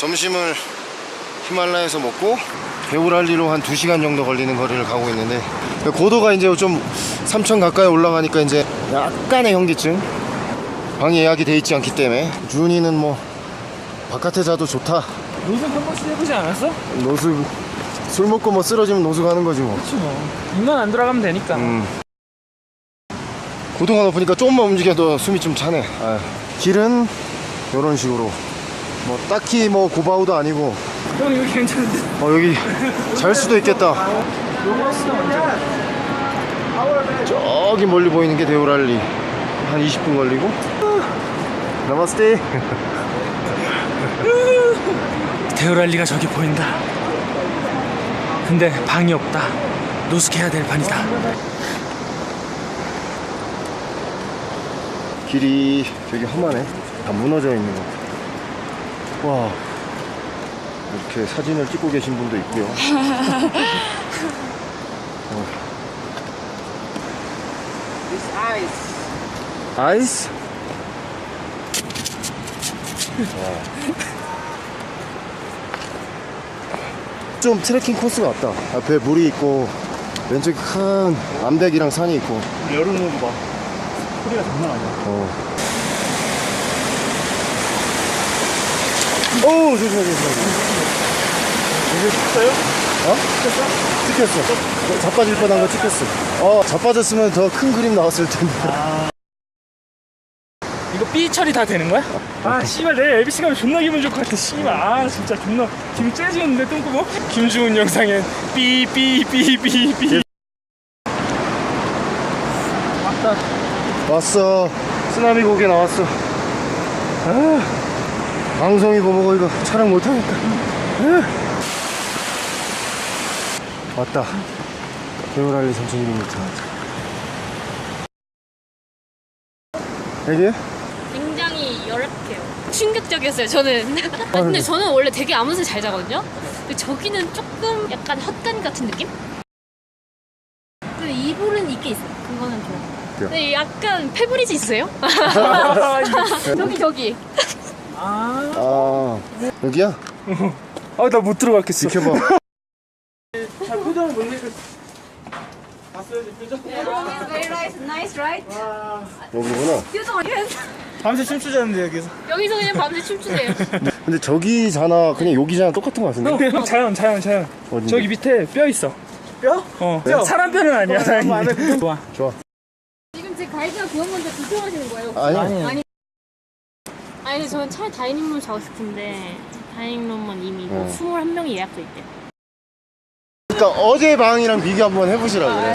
점심을 히말라야에서 먹고 데오랄리로 한 2시간 정도 걸리는 거리를 가고 있는데, 고도가 이제 좀 3,000 가까이 올라가니까 이제 약간의 현기증. 방이 예약이 돼 있지 않기 때문에. 준이는 뭐 바깥에 자도 좋다. 노숙 한 번씩 해보지 않았어? 노숙, 술 먹고 뭐 쓰러지면 노숙하는 거지 뭐. 그렇지 뭐. 입만 안 돌아가면 되니까. 고도가 높으니까 조금만 움직여도 숨이 좀 차네. 길은 이런 식으로 뭐 딱히 뭐 고바우도 아니고. 형 여기 괜찮은데? 여기 잘 수도 있겠다. 로마스는 언제? 저기 멀리 보이는 게 데오랄리. 한 20분 걸리고. 나마스테. 데오랄리가 저기 보인다. 근데 방이 없다. 노숙해야 될 판이다. 길이 되게 험하네. 다 무너져 있는 것 같아. 와, 이렇게 사진을 찍고 계신 분도 있고요. 아이스? 좀 트레킹 코스 같다. 앞에 물이 있고 왼쪽에 큰 암벽이랑 산이 있고. 여름 오고 봐. 소리가 장난 아니야. 오, 조심해. 이게 찍었어요? 찍혔어. 자빠질 뻔한 거 찍혔어. 자빠졌으면 더 큰 그림 나왔을 텐데. 이거 삐 처리 다 되는 거야? 씨발 내일 LBC 가면 존나 기분 좋을 것 같아. 씨발 진짜 존나 기분 째지는데 똥구멍? 김주훈 영상엔 삐 왔어. 쓰나미 고개 나왔어. 방송이 고보고 이거 촬영 못하겠다. 왔다. 데오랄리 3,200m. 여기? 굉장히 열악해요. 충격적이었어요, 저는. 근데 저는 원래 되게 아무 새 잘 자거든요? 근데 저기는 조금 약간 헛간 같은 느낌? 근데 이불은 있게 있어요. 그거는 좋아요. 근데 약간 페브리즈 있어요? 저기. 여기야? 나 못 들어갔겠어. 지켜봐. 잘 표정을 못 내고. 봤어요, 표정? Very nice, right? 여기구나. 밤새 춤추자는데 여기서. 여기서 그냥 밤새 춤추세요. 근데 저기잖아. 그냥 여기잖아. 똑같은 거 같은데? 형 자연. 어딘데? 저기 밑에 뼈 있어. 뼈? 뼈. 사람 뼈는 아니야, 다행히. 좋아. 지금 제 가이드가 그런 건데 불평하시는 거예요? 아니. 아니, 근데 저는 차라리 다이닝룸 자고 싶은데 다이닝룸은 이미 21명이 예약돼 있대요. 그러니까 어제 방이랑 비교 한번 해보시라 그래.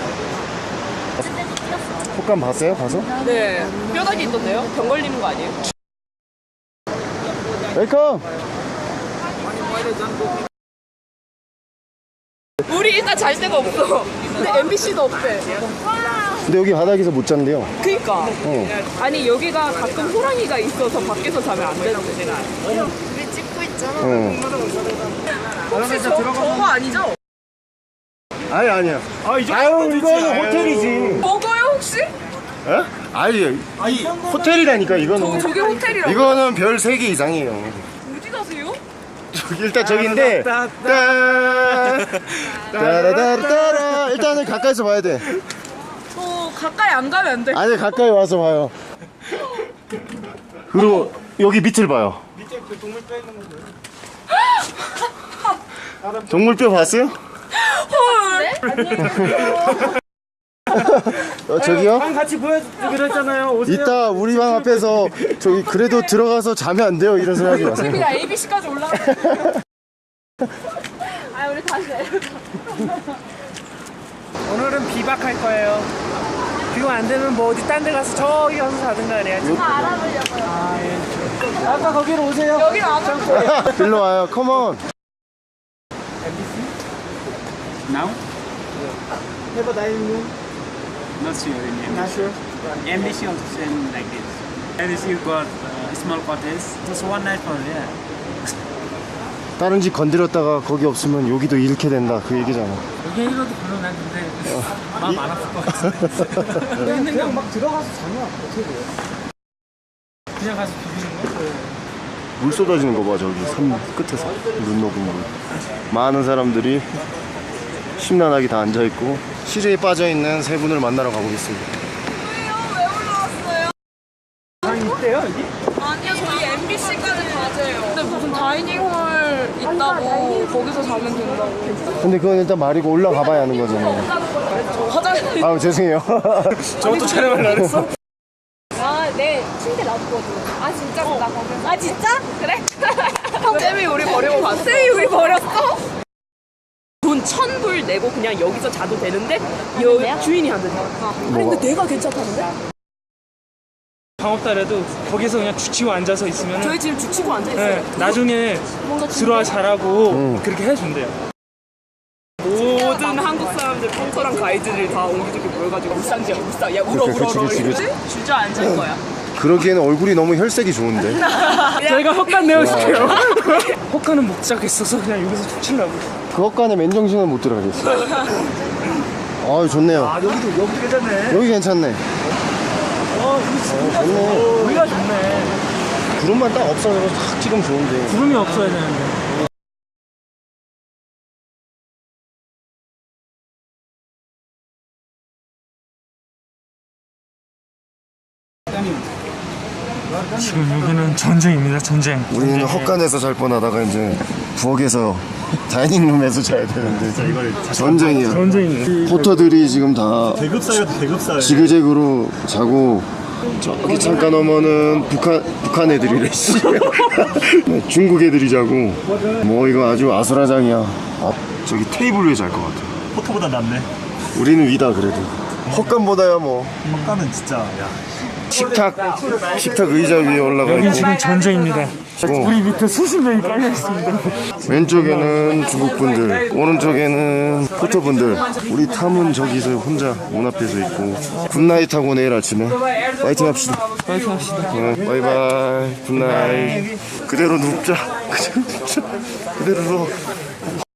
폭감 봤어요? 가서? 네, 뼈다귀 있던데요? 병 걸리는 거 아니에요? 웰컴! 우리 일단 잘 데가 없어. 근데 MBC도 없대. 근데 여기 바닥에서 못 잔대요. 그니까. 어. 아니, 여기가 가끔 호랑이가 있어서 밖에서 자면 안 되는데. 우리 찍고 있잖아. 혹시 저거 아니죠? 아니야. 이제 이거는 호텔이지. 먹어요, 혹시? 에? 아니, 호텔이라니까, 이거는. 저게 호텔이라고? 이거는 별 3개 이상이에요. 어디 가세요? 일단 저기인데. 따라따라. 일단은 가까이서 봐야 돼. 가까이 안 가면 안 돼. 아니, 가까이 와서 봐요. 그리고 여기 밑을 봐요. 밑에 그 동물뼈 있는 거. 동물뼈 봤어요? 저기요? 방 같이 보여주기로 했잖아요. 오세요. 이따 우리 방 앞에서 저기 그래도 들어가서 자면 안 돼요. 이런 소리 하지 마세요. 그냥 ABC까지 올라가. 우리 다시 내려가. 오늘은 비박할 거예요. 비가 안 되면 뭐 어디 딴 데 가서 저기 가서 자든가 그래야지. 알아보려고요. 예. 아까 거기로 오세요. 여기는 안 올 거예요. 일로 와요. 컴온. Now? Have a dining room. Not sure in MBC. Not sure. MBC also same like this. MBC you got small cottage. Just one night for there. 다른 집 건드렸다가 거기 없으면 여기도 잃게 된다. 그 얘기잖아. 여기 이거도 불러놨는데 마음 안 아플 것 같아. 그냥 막 들어가서 자면 어떻게 돼요? 그냥 가서 비비는 거? 물 쏟아지는 거 봐. 저기 산 끝에서 눈 녹은 물. 많은 사람들이 심란하게 다 앉아있고 시리에 빠져있는 세 분을 만나러 가보겠습니다. 왜 올라왔어요? 방 있대요 여기? 아니요, 저희 MBC까지 가세요. 근데 무슨 다이닝홀 있다고 거기서 자면 된다고. 근데 그건 일단 말이고 올라가 봐야 하는 거잖아요. 화장실. 아 죄송해요. 저것도 촬영을 안 했어? 아, 네. 침대 놔두거든. 아, 진짜? 나 거기서. 아, 진짜? 그래? 쌤이 우리 버리고 갔어. 쌤이 우리 버렸어? 돈 1,000불 내고 그냥 여기서 자도 되는데 주인이 안 된다. 아니, 근데 내가 괜찮다는데? 방 없다래도 거기서 그냥 죽치고 앉아서 있으면 저희 지금 죽치고 앉아있어요. 네, 나중에 들어와 잘하고 그렇게 해준대요. 모든 한국 사람들 펑커랑 가이드들이 다 옹기종기 모여가지고 울상지야 울상. 야 울어 울어 울어. 그치. 주저앉을 거야. 그러기에는 얼굴이 너무 혈색이 좋은데. 저희가 헛간 내어줄게요. 헛간은 못 자겠어서 그냥 여기서 죽치려고. 그 헛간에 맨정신은 못 들어가겠어. 아 좋네요. 여기도 괜찮네. 여기 괜찮네. 좋네. 여기가 좋네. 구름만 딱 없어져서 탁 찍으면 좋은데. 구름이 없어야 되는데. 지금 여기는 전쟁입니다. 전쟁. 우리는 헛간에서 잘 뻔하다가 이제 부엌에서 다이닝룸에서 자야 되는데 전쟁이야. 전쟁입니다. 포터들이 지금 다 대급사예요, 대급사예요. 지그재그로 자고 저기 잠깐 넘어는 북한 애들이래. 씨. 네, 중국 애들이 자고 뭐 이거 아주 아수라장이야. 저기 테이블 위에 잘 것 같아. 포토보다 낫네. 우리는 위다 그래도. 헛간보다야 뭐. 헛간은 진짜, 야. 식탁 의자 위에 올라가 여기 있고 지금 전쟁입니다. 우리 밑에 수십 명이 깔려 있습니다. 왼쪽에는 중국분들, 오른쪽에는 포터분들. 우리 탐은 저기서 혼자 문 앞에서 있고 굿나잇 하고 내일 아침에 파이팅 합시다. 파이팅 합시다. 바이바이 굿나잇. 그대로 눕자. 그대로 누워.